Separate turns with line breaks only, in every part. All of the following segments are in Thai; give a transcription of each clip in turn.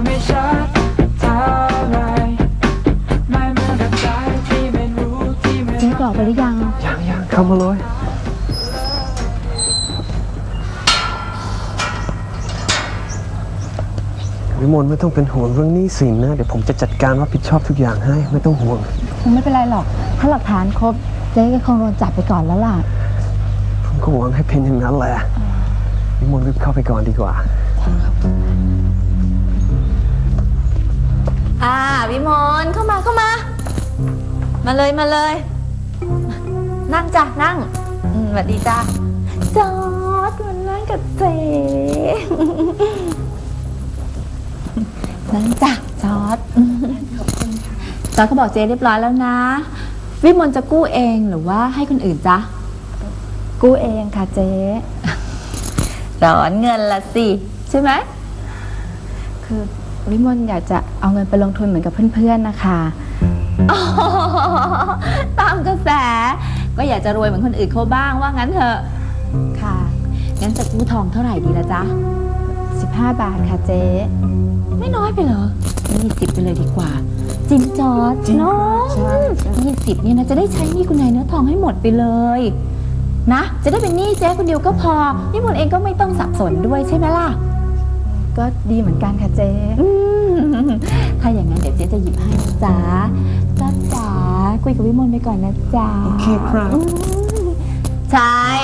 ไม่ชัดเท่าไรไม่เหมือนกับใจที่ไม่รู้ที่ไม่
เจ๊กรอกไปหรือยัง
ยังเข้ามาเลยวิมลไม่ต้องเป็นห่วงเรื่องหนี้สินนะเดี๋ยวผมจะจัดการรับผิดชอบทุกอย่างให้ไม่ต้องห่วง
คงไม่เป็นไรหรอกถ้าหลักฐานครบเจ๊ก็คงโดนจับไปก่อนแล้วล่ะ
ผมก็หวังให้เป็นอย่างนั้นแหละวิมลรีบเข้าไปก่อนดีกว่า
วิมลเข้ามามาเลยนั่งจ้ะนั่งสวัสดีจ้ะจอร์จมานั่งกับเจ๊นั่งจ้ะจอร์จจอร์จเขาบอกเจ๊เรียบร้อยแล้วนะวิมลจะกู้เองหรือว่าให้คนอื่นจ๊ะ
กู้เองค่ะเจ๊
ร้อนเงินละสิใช่ไหม
คือวิมลอยากจะเอาเงินไปลงทุนเหมือนกับเพื่อนๆนะคะ
อ๋อตามกระแสก็อยากจะรวยเหมือนคนอื่นเขาบ้างว่างั้นเถอะ
ค่ะ
งั้นจะกู้ทองเท่าไหร่ดีละจ๊ะ
15 บาทค่ะเจ๊
ไม่น้อยไปเหรอ20ไปเลยดีกว่าจริงจอร์จเนาะ20เนี่ยนะจะได้ใช้หนี้คุณนายเนื้อทองให้หมดไปเลยนะจะได้เป็นหนี้เจ๊คนเดียวก็พอนี่มนเองก็ไม่ต้องสับสนด้วยใช่ไหมล่ะ
ก็ดีเหมือนกันค่ะเจ๊
ถ้าอย่างนั้นเดี๋ยวเจ๊จะหยิบให้นะจ๊ะจ๊ะจ๋าคุยกับวิมลไปก่อนนะจ๊ะ
โอเคครับ
ชาย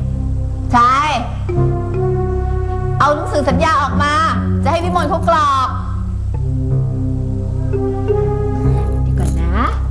เอาหนังสือสัญญาออกมาจะให้วิมลเขากรอกเดี๋ยวก่อนนะ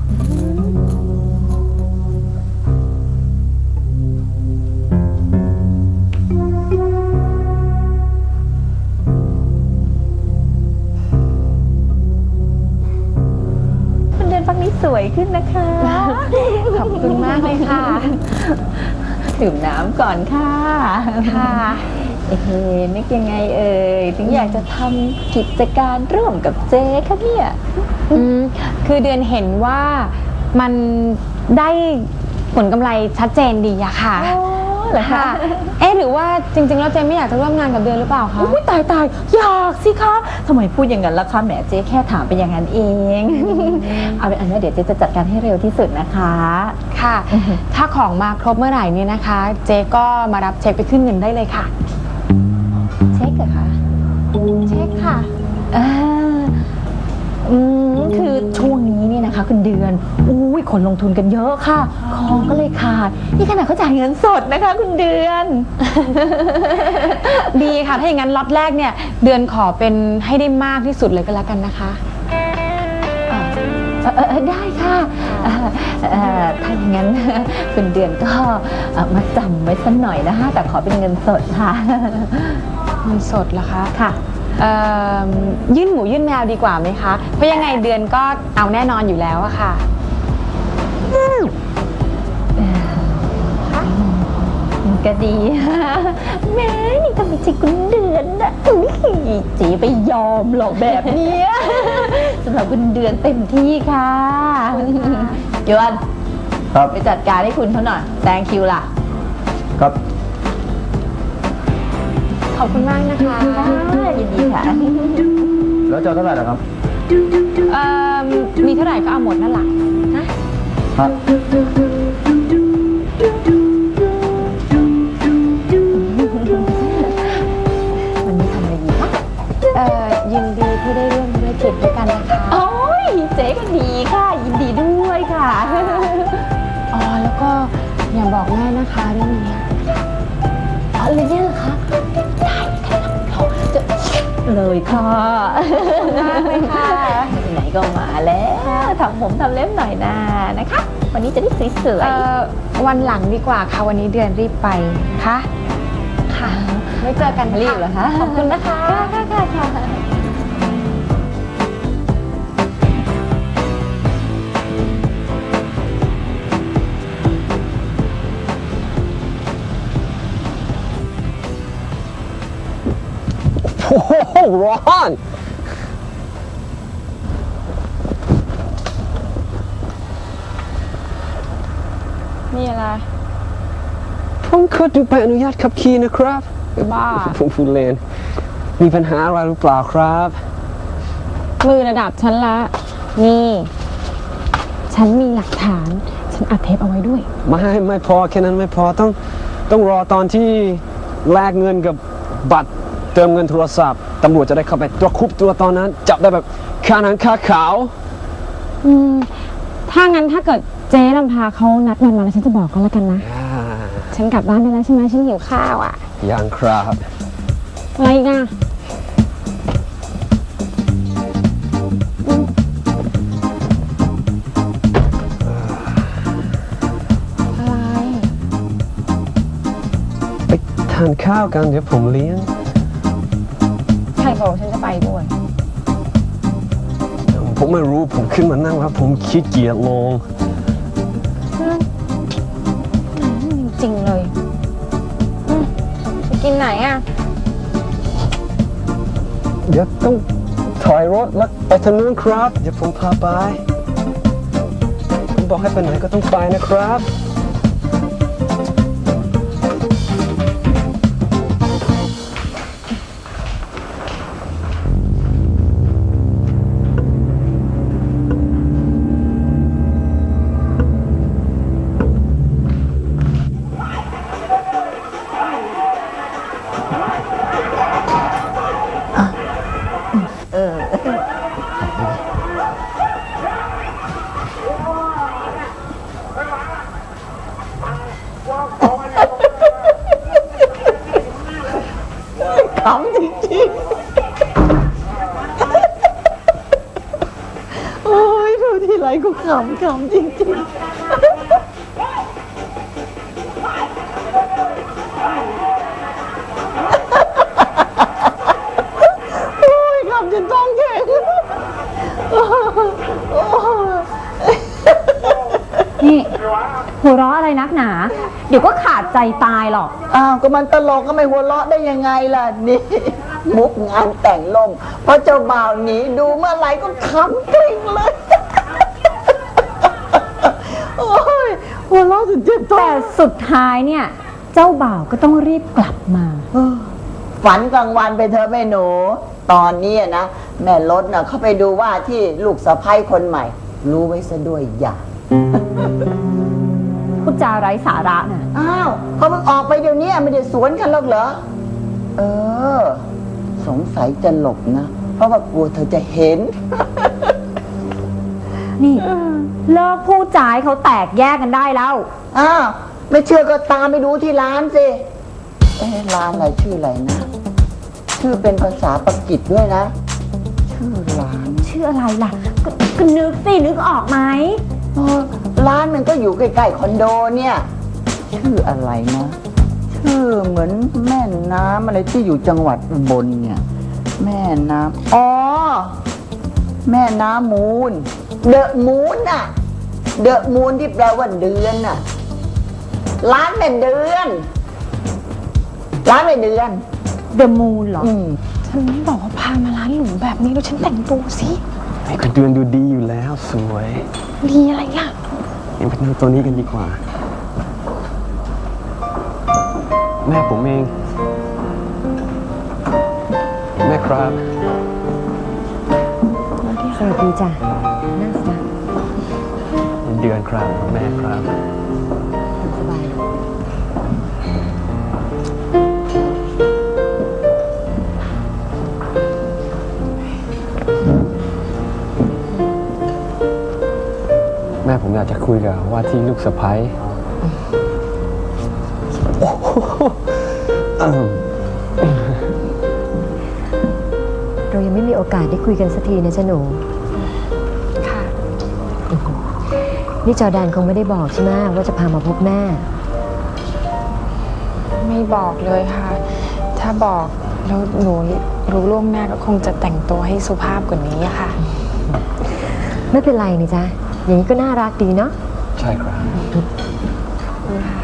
เดือนฟังนี้สวยขึ้นนะคะ
ขอบคุณมากเลยค่ะ
ดื่มน้ำก่อนค่ะ
ค่ะ
นึกยังไงเอ่ยถึงอยากจะทำกิจการร่วมกับเจ๊คะเนี่ย
คือเดือนเห็นว่ามันได้ผลกำไรชัดเจนดีอะค่ะ
เหรอคะ
หรือว่าจริงๆแล้วเจนไม่อยากจะร่วมงานกับเดือนหรือเปล่าคะ
อุ้ยตายอยากสิคะทำไมพูดอย่างนั้นล่ะคะแหมเจ๊แค่ถามไปอย่างนั้นเอง เอาเป็นอันนี้เดี๋ยวเจ๊จะจัดการให้เร็วที่สุดนะคะ
ค่ะ ถ้าของมาครบเมื่อไหร่เนี่ยนะคะ เจ๊ก็มารับเช็คไปขึ้นเงินได้เลยค่ะ
เช็คเหรอคะ
เช็คค่ะ
คือช่วงนี้เนี่ยนะคะคุณเดือนอุ้ยคนลงทุนกันเยอะค่ะของก็เลยขาดนี่ขนาดเขาจ่ายเงินสดนะคะคุณเดือน
ดีค่ะ ถ้าอย่างนั้นล็อตแรกเนี่ยเดือนขอเป็นให้ได้มากที่สุดเลยก็แล้วกันนะคะ
ได้ค่ะถ้าอย่างนั้น คุณเดือนก็มาจำไว้สักหน่อยนะคะแต่ขอเป็นเงินสดค่ะ
เงินสดเหรอคะ
ค่ะ
ยื่นหมูยื่นแมวดีกว่าไหมคะ เพราะยังไงเดือนก็เอาแน่นอนอยู่แล้วอะค่ะ
ก็ดี แม่นี่ทำไมใจคุณเดือนนะอุ้ยจีไปยอมหรอกแบบเนี้ย สำหรับคุณเดือนเต็มที่ค่ะยวน
ครับ
ไปจัดการให้คุณเขาหน่อยแซงคิวล่ะ
ครับ
ขอบคุณมากนะคะ
ยินดีค่ะ
แล้วจะเท่าไหร่ล่ะครับ
มีเท่าไหร่ก็เอาหมดนั่นแหละนะ
ครับ
วันนี้ทำอะไรดีคะ
ยินดีที่ได้ร่วมธุรกิจด้วยกันนะคะ
โอ้ยเจ๊ก็ดีค่ะ ยินดีด้วยค่ะ
อ๋อ แล้วก็อย่าบอกแม่นะคะเรื่องนี้
อะไรเนี่ยเหรอคะได้ค่ะเราจะเลยค่ะมากเลยค่ะไหนก็มาแล้วทำผมทำเล็บหน่อยนะนะคะ วันนี้จะได้สวย
วันหลังดีกว่าค่ะ วันนี้เดือนรีบไปค่ะ ค่ะ ไม่เจอกัน
ๆรีบเหรอคะ
ขอบคุณนะคะ
ค่ะ
โอ้โหร้อน
นี่อะไร
ผมขอดูใบอนุญาตขับขี่นะครับ
บ้า
ผมพูดเล่นมีปัญหาอะไรหรือเปล่าครับ
มือระดับฉันละ นี่ ฉันมีหลักฐาน ฉันอัดเทปเอาไว้ด้วย
ไม่พอแค่นั้นไม่พอต้องรอตอนที่แลกเงินกับบัตรเติมเงินโทรศัพท์ตำรวจจะได้เข้าไปตัวคุบตัวตอนนั้นจับได้แบบคาหนังคาขาว
ถ้างั้นถ้าเกิดเจ๊ลำพาเขานัดวันมาแล้วฉันจะบอกก็แล้วกันนะ ฉันกลับบ้านได้แล้วใช่ไหมฉันหิวข้าวอ่ะ
ยังครับ
อะไรอีกอ่ะ อะไร
ไปทานข้าวกันเดี๋ยวผมเลี้ยง
ใครบอกฉันจะไปด้วย
ผมไม่รู้ผมขึ้นมานั่งแล้วผมขี้เกียจลง
จริงๆเลยจะกินไหนอ่ะ
เดี๋ยวต้องถอยรถแล้วไปทางนู้นครับเดี๋ยวผมพาไปผมบอกให้ไปไหนก็ต้องไปนะครับ
ขำจริงๆ โอ้ยดูทีไรก็ขำจริงๆ โอ้ยขำจนท้องแข็ง
นี่หัวเราะอะไรนักหนา เดี๋ยวก็ขาดใจตายหรอก
อ้าวก็มันตลกก็ไม่หัวเราะได้ยังไงล่ะนี่ มุกงานแต่งลมเพราะเจ้าบ่าวหนีดูเมื่อไหร่ก็ขำกริ่งเลย โอ้ยหัวเราะจนเจ็บท้อ
แต่
ง
สุดท้ายเนี่ย เจ้าบ่าวก็ต้องรีบกลับมา
ฝันกลางวันไปเธอะแม่หนู ตอนนี้นะ แม่รถน่ะเขาไปดูว่าที่ลูกสะใภ้คนใหม่ รู้ไว้ซะด้วยอย่า
พูดจาไร้สาระน่ะ
อ้าวเขาเพิ่งออกไปเดี๋ยวนี้ไม่ได้สวนกันหรอกเหรอ เออ สงสัยจะหลบนะ เพราะว่ากลัวเธอจะเห็น
นี่เลิกพูดจาให้เขาแตกแยกกันได้แล้ว
อ้าวไม่เชื่อก็ตามไปดูที่ร้านสิเอ๊ะร้านอะไรชื่ออะไรนะ ชื่อเป็นภาษาปากีสด้วยนะ ชื่อร้าน
ชื่ออะไรล่ะ ก็นึกสินึกออกไหม
เออร้านมันก็อยู่ใกล้ๆคอนโดเนี่ย ชื่ออะไรนะ ชื่อเหมือนแม่น้ำอะไรที่อยู่จังหวัดอุบลเนี่ย แม่น้ำอ๋อ แม่น้ำมูล เดอะมูนน่ะ เดอะมูนที่แปลว่าเดือนน่ะ ร้านแม่เดือน ร้านแม่เดือน
The Moon เหรอ
ฉันบอกว่าพามาร้านหรูแบบนี้แล้วฉันแต่งตัวสิ
ไอ้ก็เดือนดูดีอยู่แล้วสวย
ดีอะไรอ่ะ
เอ็งไปนั่งตัวนี้กันดีกว่า แม่ผมเอง แม่ครับ
สวัสดีจ้ะนั่งสบาย
เดือนครับแม่ครับ
สบาย
แม่ผมอยากจะคุยกับว่าที่ลูกสะใภ้โอ้โห
เรายังไม่มีโอกาสได้คุยกันสักทีนะจ๊ะหนู
ค่ะ
นี่จอแดนคงไม่ได้บอกใช่ไหมว่าจะพามาพบแม่
ไม่บอกเลยค่ะ ถ้าบอกแล้วหนูรู้ล่วงหน้าก็คงจะแต่งตัวให้สุภาพกว่านี้อะค่ะ
ไม่เป็นไรนี่จ๊ะ อย่างนี้ก็น่ารักดีเนาะ
ใช่ครับ
ค่ะ